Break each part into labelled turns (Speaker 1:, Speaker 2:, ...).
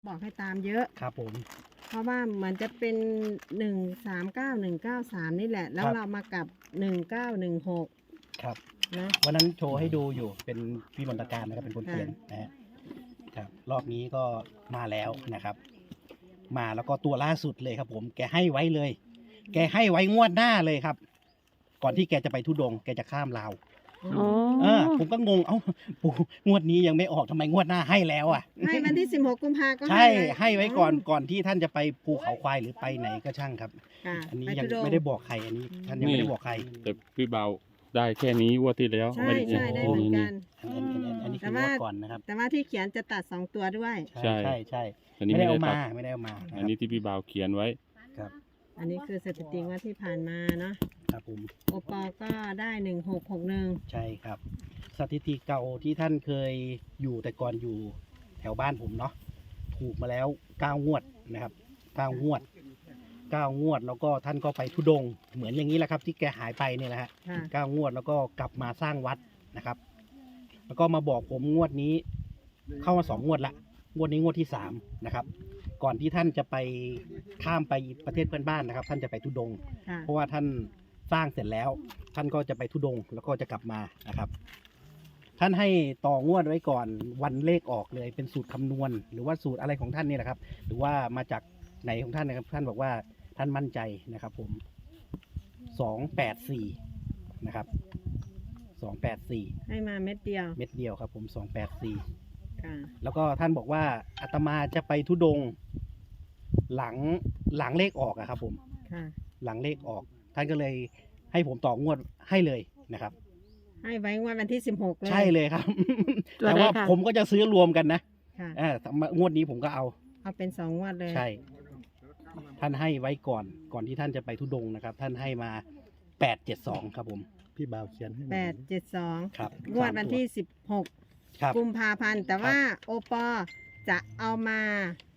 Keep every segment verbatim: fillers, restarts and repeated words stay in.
Speaker 1: บอกให้ตามเยอะ
Speaker 2: ครับผม
Speaker 1: เพราะว่าเหมือนจะเป็นหนึ่งสามเก้าหนึ่งเก้าสามนี่แหละ แล้วเรามากับหนึ่งเก้าหนึ่งหก
Speaker 2: ครับ
Speaker 1: นะ
Speaker 2: วันนั้นโชว์ให้ดูอยู่เป็นพี่มนตการนะครับเป็นคนเขียนนะฮะครับรอบนี้ก็มาแล้วนะครับ มาแล้วก็ตัวล่าสุดเลยครับผมแกให้ไว้เลย แกให้ไว้งวดหน้าเลยครับ ก่อนที่แกจะไปทุดงค์แกจะข้ามลาว
Speaker 3: อ๋อ
Speaker 2: เออผมก็งงเอ้าปู่งวดนี้ยังไม่ออกทำไมงวดหน้าให้แล้วอ่ะ
Speaker 1: ให้วันที่สิบหกกุมภาก็
Speaker 2: ใช่
Speaker 1: เลย
Speaker 2: ให้ไว้ก่อนก่อนที่ท่านจะไปภูเขาควายหรือไปไหนก็ช่างครับ
Speaker 1: ค่ะ
Speaker 2: อันนี้
Speaker 1: ป
Speaker 2: ยัง
Speaker 1: ทุงค์
Speaker 2: ไม่ได้บอกใครอันนี้ ท่านยังไม่ได้บอกใคร
Speaker 3: แต่พี่เบาได้แค่นี้งวดที่แล้ว
Speaker 1: ใช่ใช่ได้เหมือนกัน
Speaker 2: อันอันอันอันนี้คื
Speaker 1: แต่
Speaker 2: อง
Speaker 1: ว่า
Speaker 2: วดก่อนนะครับ
Speaker 1: แต่ว่าที่เขียนจะตัดสองตัวด้วย
Speaker 2: ใช่ใช่ใช่
Speaker 3: อันนี้
Speaker 2: ไม่ได้เอา
Speaker 3: ตั
Speaker 2: มา
Speaker 3: ด
Speaker 2: ไม่ได้เอามานะ
Speaker 3: อัน
Speaker 2: ค
Speaker 3: นี้
Speaker 2: รับ
Speaker 3: ที่พี่เบาเขียนไว้
Speaker 2: ครับ
Speaker 1: อันนี้คือสถิติว่าที่ผ่านมาเนาะ
Speaker 2: ครับผม
Speaker 1: โอปอก็ได้หนึ่งหกหกหนึ่ง
Speaker 2: ใช่ครับ สถิติเก่าที่ท่านเคยอยู่แต่ก่อนอยู่แถวบ้านผมเนาะถูกมาแล้วเก้างวดนะครับเก้างวดเก้างวดแล้วก็ท่านก็ไปทุดงค์เหมือนอย่างนี้แหละครับ ที่แกหายไปเนี่ยนะฮะ
Speaker 1: ค่ะ
Speaker 2: เก้างวดแล้วก็กลับมาสร้างวัดนะครับ แล้วก็มาบอกผมงวดนี้ เข้ามาสองงวดละงวดนี้งวดที่สามนะครับ ก่อนที่ท่านจะไปข้ามไปประเทศเพื่อนบ้านนะครับ ท่านจะไปทุดงค์
Speaker 1: ค่ะ
Speaker 2: เพราะว่าท่านสร้างเสร็จแล้ว ท่านก็จะไปทุดงค์แล้วก็จะกลับมานะครับ ท่านให้ต่องวดไว้ก่อนวันเลขออกเลยเป็นสูตรคำนวณ หรือว่าสูตรอะไรของท่านนี่แหละครับ หรือว่ามาจากไหนของท่านนะครับ ท่านบอกว่าท่านมั่นใจนะครับ ผมสองแปดสี่นะครับสองแปดสี่
Speaker 1: ให้มาเม็ดเดียว
Speaker 2: เม็ดเดียวครับ ผมสองแปดสี่
Speaker 1: ค่ะ
Speaker 2: แล้วก็ท่านบอกว่าอาตมาจะไปทุดงค์หลังหลังเลขออกอะครับ ผม
Speaker 1: ค่ะ
Speaker 2: หลังเลขออก ท่านก็เลยให้ผมต่องวดให้เลยนะครับ
Speaker 1: ให้ไว้งวดวันที่สิบหกเลย
Speaker 2: ใช่เลยครับ
Speaker 3: ตัว
Speaker 2: แต่
Speaker 3: ไหน
Speaker 2: ว่า
Speaker 3: คะ
Speaker 2: ผมก็จะซื้อรวมกันนะ
Speaker 1: ค่ะ
Speaker 2: อ่างวดนี้ผมก็เอา
Speaker 1: เอาเป็นสองงวดเลย
Speaker 2: ใช่ ท่านให้ไว้ก่อนก่อนที่ท่านจะไปทุดงค์นะครับ ท่านให้มาแปดเจ็ดสองครับผมพี่บ่าวเขียนให้
Speaker 1: แปดเจ็ดสอง
Speaker 2: ครับ
Speaker 1: งวดวันที่สิบหก
Speaker 2: ครับ
Speaker 1: กุมภาพันธ์แต่ว่าโอปอจะเอามาง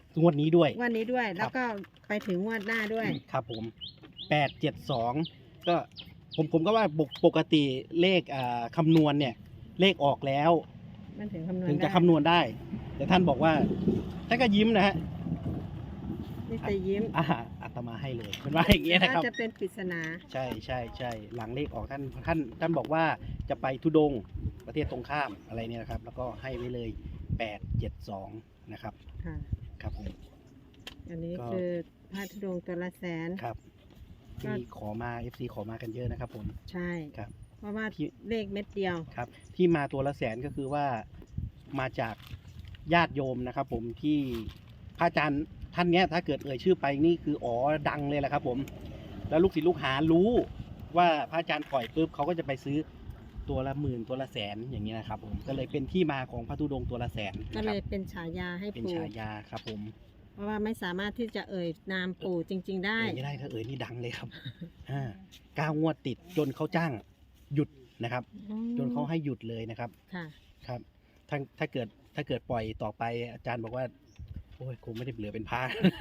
Speaker 2: วดนี้ด้วย
Speaker 1: งวันนี้ด้วย แล้วก็ไปถึงงวดหน้าด้วย
Speaker 2: ครับผมแปดเจ็ดสองก็ผมผมก็ว่าปกปกติเลขอ่าคำนวณเนี่ย เลขออกแล้ว
Speaker 1: มันถึงคำนวณ
Speaker 2: ถึงจะ
Speaker 1: ได้
Speaker 2: คำนวณได้ แต่ท่านบอกว่าท่านก็ยิ้มนะฮะ
Speaker 1: นี่จะยิ้ม
Speaker 2: อ่าอาตมาให้เลยเป็นว่าอย่างเงี้ยนะครับ
Speaker 1: น่าจะเป็นปริศนา
Speaker 2: ใช่ใช่ใช่หลังเลขออกท่านท่านท่านบอกว่าจะไปทุดงค์ประเทศตรงข้ามอะไรเนี่ยนะครับ แล้วก็ให้ไว้เลยแปดเจ็ดสองนะครับ
Speaker 1: ค่ะ
Speaker 2: ครับผม
Speaker 1: อันนี้
Speaker 2: ก็
Speaker 1: คือพระธุดงค์ตัวละแสน
Speaker 2: ครับ
Speaker 1: ก็
Speaker 2: ที่ขอมา เอฟ ซี ขอมากันเยอะนะครับผม
Speaker 1: ใช่
Speaker 2: ครับ
Speaker 1: เพราะว่า
Speaker 2: ที่
Speaker 1: เลขเม็ดเดียว
Speaker 2: ครับ ที่มาตัวละแสนก็คือว่ามาจากญาติโยมนะครับ ผมที่พระอาจารย์ท่านเนี้ยถ้าเกิดเอ่ยชื่อไปนี่คืออ๋อดังเลยแหละครับ ผม แล้วลูกศิษย์ลูกหารู้ว่าพระอาจารย์ปล่อยปุ๊บเขาก็จะไปซื้อตัวละหมื่นตัวละแสนอย่างเงี้ยนะครับ ผมก็เลยเป็นที่มาของพระธุดงค์ตัวละแสน
Speaker 1: ก็
Speaker 2: นะค
Speaker 1: เล
Speaker 2: รับ
Speaker 1: ยเป็นฉายาให้
Speaker 2: เป็น
Speaker 1: ปู่
Speaker 2: ฉายาครับ ผม
Speaker 1: เพราะว่าไม่สามารถที่จะเอ่ยนามปู่จริง ๆ ได้
Speaker 2: เอ่ยไม่ได้ถ้าเอ่ยนี่ดังเลยครับอ่าเก้างวดติดจนเขาจ้างหยุดนะครับ จนเขาให้หยุดเลยนะครับ
Speaker 1: ค่ะ
Speaker 2: ครับถ้าถ้าเกิดถ้าเกิดปล่อยต่อไปอาจารย์บอกว่าโอ้ยคงไม่ได้เหลือเป็นพระ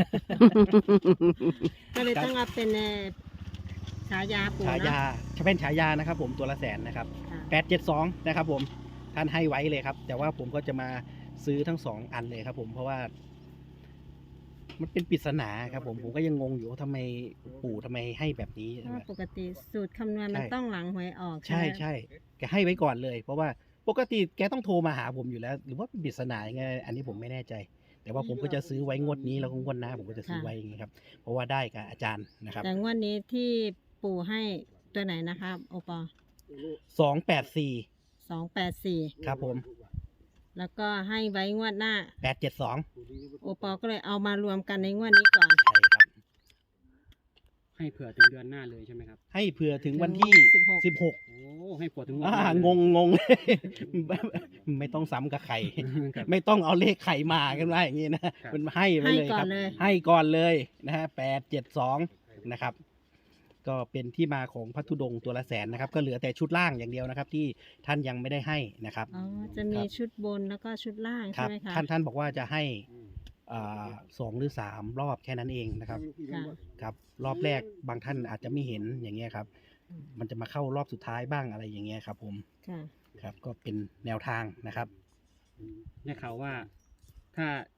Speaker 1: ก็เลยต้องเอาเป็นเอ่อฉายาปู่
Speaker 2: ฉายา
Speaker 1: เนาะ
Speaker 2: จะเป็นฉายานะครับ ผมตัวละแสนนะครับ
Speaker 1: ค่ะ
Speaker 2: แปดเจ็ดสองนะครับผมท่านให้ไว้เลยครับ แต่ว่าผมก็จะมาซื้อทั้งสองอันเลยครับ ผมเพราะว่า มันเป็นปริศนาครับ ผมผมก็ยังงงอยู่ว่าทำไมปู่ทำไมให้แบบนี้
Speaker 1: เพราะว่าปกติสูตรคำนวณมัน
Speaker 2: ใช่
Speaker 1: ต้องหลังหวยออก
Speaker 2: ใช่
Speaker 1: ไหม
Speaker 2: ใช่แกให้ไว้ก่อนเลย เพราะว่าปกติแกต้องโทรมาหาผมอยู่แล้ว หรือว่าเป็นปริศนายังไงอันนี้ผมไม่แน่ใจ แต่ว่าผมก็จะซื้อไว้งวดนี้แล้วก็งวดหน้าผมก็จะซื้อไว้อย่างนี้ครับ เพราะว่าได้กับอาจารย์นะครับ
Speaker 1: แต่งวดนี้ที่ปู่ให้ตัวไหนนะคะโอปอ
Speaker 2: สองแปดสี่
Speaker 1: สองแปดสี่
Speaker 2: ครับผม
Speaker 1: แล้วก็ให้ไว้งวดหน้า
Speaker 2: แปดเจ็ดสอง
Speaker 1: โอปอก็เลยเอามารวมกันในงวดนี้ก่อน
Speaker 2: ใช่ครับ
Speaker 4: ให้เผื่อถึงเดือนหน้าเลยใช่ไหมครับ
Speaker 2: ให้เผื่อถึงวันที่
Speaker 1: สิบหก
Speaker 2: สิบหก
Speaker 4: โอ้ให้เผื่อถึงวัน
Speaker 2: อ่า
Speaker 4: หน้าเลย
Speaker 2: งงงง ไม่ต้องซ้ำกับไข่
Speaker 4: ครับ
Speaker 2: ไม่ต้องเอาเลขไข่มากันว่าอย่างนี้นะ
Speaker 4: ครับ
Speaker 2: มันให้ไป
Speaker 1: ให้
Speaker 2: เลย
Speaker 1: ก่อ
Speaker 2: คน รับ
Speaker 1: เลย
Speaker 2: ให้ก่อนเลยนะฮะแปดเจ็ดสองนะครับ ก็เป็นที่มาของพระธุดงค์ตัวละแสนนะครับ ก็เหลือแต่ชุดล่างอย่างเดียวนะครับ ที่ท่านยังไม่ได้ให้นะครับ
Speaker 1: อ๋อ จะมี
Speaker 2: ครับ
Speaker 1: ชุดบนแล้วก็ชุดล่าง
Speaker 2: ค
Speaker 1: ใช่
Speaker 2: รับ
Speaker 1: ไหมคะ
Speaker 2: ท่านท่านบอกว่าจะให้อ่าสองหรือสามรอบแค่นั้นเองนะครับ
Speaker 1: ค่ะ
Speaker 2: ครับ รอบแรกบางท่านอาจจะไม่เห็นอย่างเงี้ยครับ มันจะมาเข้ารอบสุดท้ายบ้างอะไรอย่างเงี้ยครับผม
Speaker 1: ค่ะ
Speaker 2: ครับ ก็เป็นแนวทางนะครับ
Speaker 4: ได้ข่าวว่าถ้า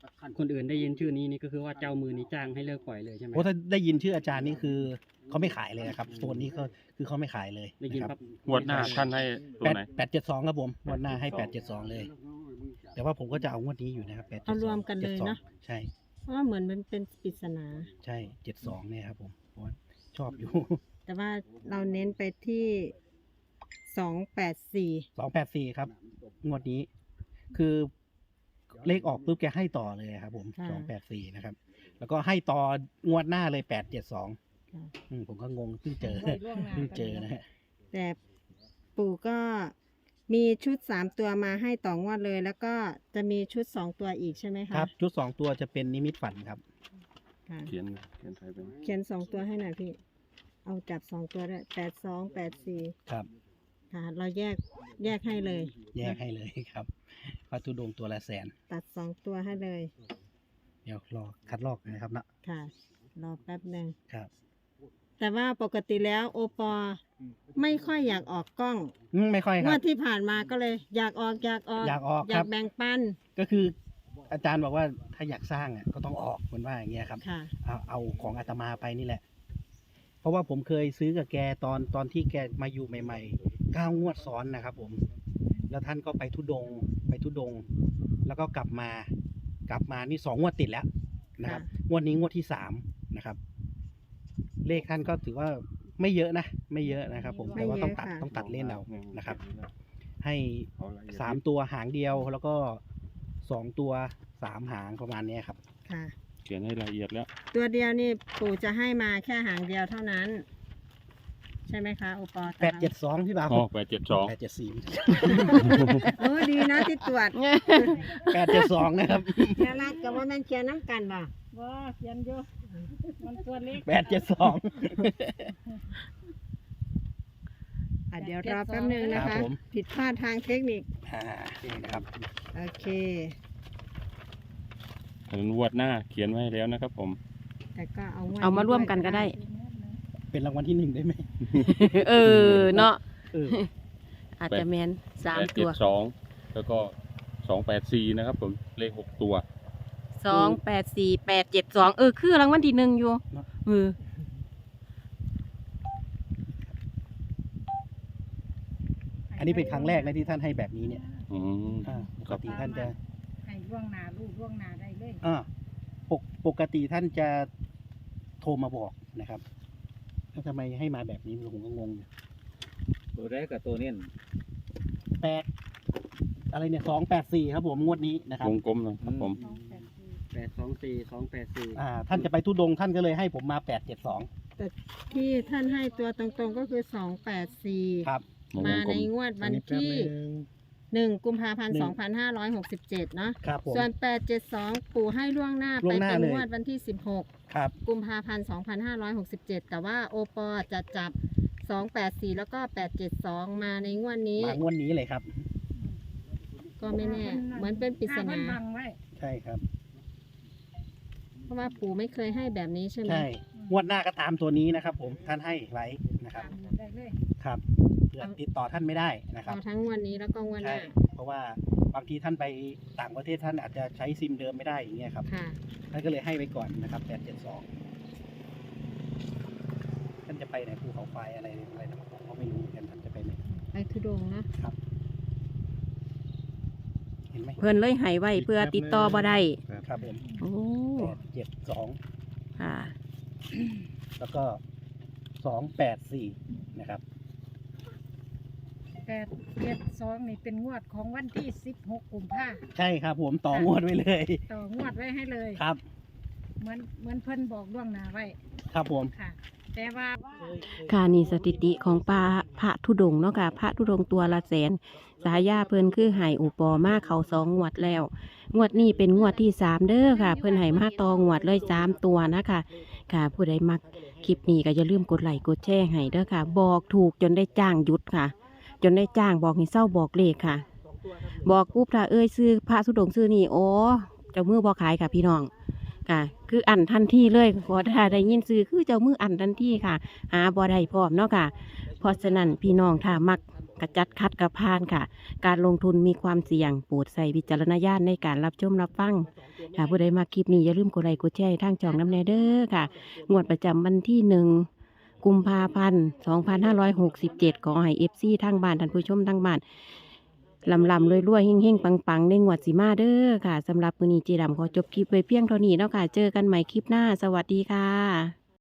Speaker 4: คนอื่นได้ยินชื่อนี้นี่ก็คือว่าเจ้ามือนี้จ้างให้เลิกปล่อยเลยใช่ไหม
Speaker 2: โอ้ถ้าได้ยินชื่ออาจารย์นี่คือเขาไม่ขายเลยนะครับโซนนี้ก็คือเขาไม่ขายเลย
Speaker 4: ได้ยิน
Speaker 2: นะค
Speaker 4: ปั๊
Speaker 2: รั
Speaker 4: บบ
Speaker 3: งวดหน้าท่านให้ตัว
Speaker 2: แปด
Speaker 3: ไหน
Speaker 2: แปดเจ็ดสองครับผมงวดหน้าให้แปดเจ็ดสองเลย แต่ว่าผมก็จะเอางวดนี้อยู่นะครับแปด
Speaker 1: เอารวมกันเลยเนาะ
Speaker 2: ใช่
Speaker 1: เพราะว่าเหมือนมันเป็นปริศนา
Speaker 2: ใช่เจ็ดสองเนี่ยครับผมเพราะว่าชอบอยู่
Speaker 1: แต่ว่าเราเน้นไปที่สองแปดสี่
Speaker 2: สองแปดสี่ครับงวดนี้ คือเลขออกปุ๊บแกให้ต่อเลยครับผมสองแปดสี่นะครับ แล้วก็ให้ต่องวดหน้าเลยแปดเจ็ดสองผมก็งงเพิ่งเจอเพิ่งเจอนะฮะ
Speaker 1: แต่ปู่ก็มีชุดสามตัวมาให้ต่องวดเลย แล้วก็จะมีชุดสองตัวอีกใช่ไหมคะ
Speaker 2: ครับชุดสองตัวจะเป็นนิมิตฝันครับ
Speaker 1: ค่ะ
Speaker 3: เขียนเขียนไทยไปนะ
Speaker 1: เขียนสองตัวให้หน่อยพี่ เอาจับสองตัวด้วยแปดสองแปดสี่
Speaker 2: ครับ
Speaker 1: ค่ะ เราแยกแยกให้เลย
Speaker 2: แยกให้เลยครับพระธุดงค์ตัวละแสน
Speaker 1: ตัดสองตัวให้เลย
Speaker 2: เดี๋ยวรอคัดลอกนะครับเนาะ
Speaker 1: ค่ะ รอแป๊บหนึ่ง
Speaker 2: ครับ
Speaker 1: แต่ว่าปกติแล้วโอปอไม่ค่อยอยากออกกล้อง
Speaker 2: อืมไม่ค่อยค
Speaker 1: ง
Speaker 2: รั
Speaker 1: ว
Speaker 2: บ
Speaker 1: ดที่ผ่านมาก็เลย อยากออกอยากออก
Speaker 2: อยากออก
Speaker 1: อ
Speaker 2: ค
Speaker 1: ยา
Speaker 2: รั
Speaker 1: ก
Speaker 2: บ
Speaker 1: แบ่งปัน
Speaker 2: ก็คืออาจารย์บอกว่าถ้าอยากสร้างอ่ะก็ต้องออกเหมือนว่าอย่างเงี้ยครับ
Speaker 1: ค่ะ
Speaker 2: เอาเอาของอาตมาไปนี่แหละ เพราะว่าผมเคยซื้อกับแกตอนตอนที่แกมาอยู่ใหม่ๆเก้างวดซ้อนนะครับผม แล้วท่านก็ไปทุดงค์ไปทุดงค์แล้วก็กลับมา กลับมานี่สองงวดติดแล้วนะครับ
Speaker 1: ค่ะ
Speaker 2: งวดนี้งวดที่สามนะครับ เลขท่านก็ถือว่าไม่เยอะนะ ไม่เยอะนะครับผม แต่ว่าต้องตัดต้องตัดเล่นเอานะครับ ให้สามตัวหางเดียวแล้วก็สองตัวสามหางประมาณเนี้ยครับ
Speaker 1: ค่ะ
Speaker 3: เขียนให้ละเอียดแล้ว
Speaker 1: ตัวเดียวนี่ปู่จะให้มาแค่หางเดียวเท่านั้น ใช่ไหมคะโอปอ
Speaker 2: แปดเจ็ดสองพี่บ่าว
Speaker 3: อ๋อแปดเจ็ดสอง
Speaker 2: แปดเจ็ดสี่
Speaker 1: โอ้ดีนะที่ตรวจ
Speaker 2: แปดเจ็ดสองนะครับ
Speaker 1: แค่รัดกับว่าแม่นเขียนน้ำกันบ่บ่เขียนอยู่มันตัวเล็ก
Speaker 2: แปดเจ็ดสอง
Speaker 1: อ่ะเดี๋ยวรอแป๊บนึงนะ
Speaker 2: ครั
Speaker 1: คะ
Speaker 2: บผม
Speaker 1: ผิดพลาดทางเทคนิค
Speaker 2: อ่านี่นะครับ
Speaker 1: โอเค
Speaker 3: ถึงงวดหน้าเขียนไว้ให้แล้วนะครับผม
Speaker 1: แต่ก็เอางวด
Speaker 5: เอามาร่วมกันก็ได้
Speaker 2: เป็นรางวัลที่หนึ่งได้ไหม
Speaker 5: เออเนาะ
Speaker 2: เออ
Speaker 5: อาจจะแมนสาม
Speaker 3: แปด
Speaker 5: ตั
Speaker 3: เจ็ด
Speaker 5: ว
Speaker 3: สองแล้วก็สองแปดสี่นะครับผมเลขหกตัว
Speaker 5: สองแปดสี่แปดเจ็ดสองเออคือรางวัลที่หนึ่งอยู่เออ
Speaker 2: อันนี้เป็นครั้งแรกนะที่ท่านให้แบบนี้เนี่ย
Speaker 3: อืม
Speaker 2: อ่าปกติท่านจะ
Speaker 6: ให้ล่วงหน้าลูกล่วงหน้าได้เลย
Speaker 2: อ่าปกปกติท่านจะโทรมาบอกนะครับแล้วทำไมให้มาแบบนี้ผมก็งงอยู่
Speaker 7: ตัวแรกกับตัวเนี้ย
Speaker 2: แปดอะไรเนี่ยสองแปดสี่ครับผมงวดนี้นะครับ
Speaker 3: วงกลมนะครับผม
Speaker 4: แปดสองสี่สองแปดสี่
Speaker 2: อ่า ท่านจะไปทุดงค์ท่านก็เลยให้ผมมาแปดเจ็ดสอง
Speaker 1: แต่ที่ท่านให้ตัวตรงๆก็คือสองแปดสี่
Speaker 2: ครับ
Speaker 3: วง
Speaker 1: มาก
Speaker 3: ล
Speaker 1: ใน
Speaker 3: ม
Speaker 1: งวดวันที่หนึ่งกุมภาพันธ์
Speaker 2: หนึ่
Speaker 1: สอง งพันห้าร้อยหกสิบเจ็ดเนาะ
Speaker 2: ครับผม
Speaker 1: ส่วนแปดเจ็ดสองปู่ให้ล่วงหน้า
Speaker 2: ล่
Speaker 1: ไป
Speaker 2: วงหน้า
Speaker 1: เป็น
Speaker 2: เลย
Speaker 1: งวดวันที่สิบหก
Speaker 2: ครับ
Speaker 1: กุมภาพันธ์สองพันห้าร้อยหกสิบเจ็ดแต่ว่าโอปอจะจับสองแปดสี่แล้วก็แปดเจ็ดสองมาในงวดนี้
Speaker 2: มางวดนี้เลยครับ
Speaker 1: ก็ไม่แน่ เหมือนเป็นปริศนา
Speaker 6: เพิ่บังไว้
Speaker 2: ใช่ครับ
Speaker 1: เพราะว่าปู่ไม่เคยให้แบบนี้ใช่ไหม
Speaker 2: ใช่งวดหน้าก็ตามตัวนี้นะครับ ผมท่านให้ไว้นะครับ
Speaker 6: ตามได้เลย
Speaker 2: ครับเผื่อติดต่อท่านไม่ได้นะครั
Speaker 1: เอา
Speaker 2: บ
Speaker 1: ทั้งงวันนี้แล้วก็งวันห
Speaker 2: ใช่
Speaker 1: น้า
Speaker 2: เพราะว่าบางทีท่านไปต่างประเทศท่านอาจจะใช้ซิมเดิมไม่ได้อย่างเงี้ยครับ
Speaker 1: ค่ะ
Speaker 2: ท่านก็เลยให้ไว้ก่อนนะครับแปดเจ็ดสองท่านจะไปไหนภูเขาไฟอะไรอะไรนะผมก็ไม่รู้เหมือนกันท่านจะไปไหน
Speaker 1: ไปทุดงค์เนอะ
Speaker 2: ครับ เห็นไหม
Speaker 5: เพื่อนเลยใหายไว้เพื่อติดต่อบ่ได้
Speaker 2: ครับผม
Speaker 5: โอ้
Speaker 2: แปดเจ็ดสอง
Speaker 5: ค่ะ
Speaker 2: แล้วก็สองแปดสี่นะครับ
Speaker 6: แปดเจ็ดสองนี่เป็นงวดของวันที่สิบหกกุมภา
Speaker 2: ใช่ครับผมต่องวดไว้เลย
Speaker 6: ต่องวดไว้ให้เลย
Speaker 2: ครับ
Speaker 6: เหมือนเหมือนเพิ่นบอกล่วงหน้าไว้
Speaker 2: ครับผม
Speaker 6: ค่ะ แต่ว่า
Speaker 5: ค่ะนี่สถิติของปลาพระธุดงค์เนาะค่ะพระธุดงค์ตัวละแสนสายาเพิ่นคือใหายอุปอมาเขาสองงวดแล้ว งวดนี้เป็นงวดที่สามเด้อค่ะ เพิ่นใหายมาตองวดเลยสามตัวนะคะค่ะ ผู้ใดมักคลิปนี้ก็อย่าลืมกดไลค์กดแชร์ให้เด้อค่ะ บอกถูกจนได้จ้างหยุดค่ะ จนได้จ้างบอกให้เศร้าบอกเลขค่ะ บอกปุ๊บถ้าเอ้ยซื้อพระธุดงค์ซื้อนี่โอ้เจ้ามือบ่ขายค่ะพี่น้องค่ะ คืออันทันทีเลยพอถ้าได้ยินซื้อคือเจ้ามืออันทันทีค่ะ หาบ่ได้พร้อมเนาะค่ะ เพราะฉะนั้นพี่น้องถ้ามักกระจัดคัดกระพานค่ะ การลงทุนมีความเสี่ยงโปรดใส่วิจารณญาณในการรับชมรับฟังถ้าผู้ใดมาคลิปนี้อย่าลืมกดไลค์กดแชร์ให้ทางช่องน้ำแนเด้อค่ะงวดประจำวันที่หนึ่งกุมภาพันธ์สองพันห้าร้อยหกสิบเจ็ดขอให้เอฟซีทางบ้านท่านผู้ชมทางบ้านลำลำรวยรวยๆเฮ่งเฮ่งปังปังๆในงวดสีมาเด้อค่ะสำหรับมื้อนี้เจดํขอจบคลิปไว้เพียงเท่านี้แล้วค่ะเจอกันใหม่คลิปหน้าสวัสดีค่ะ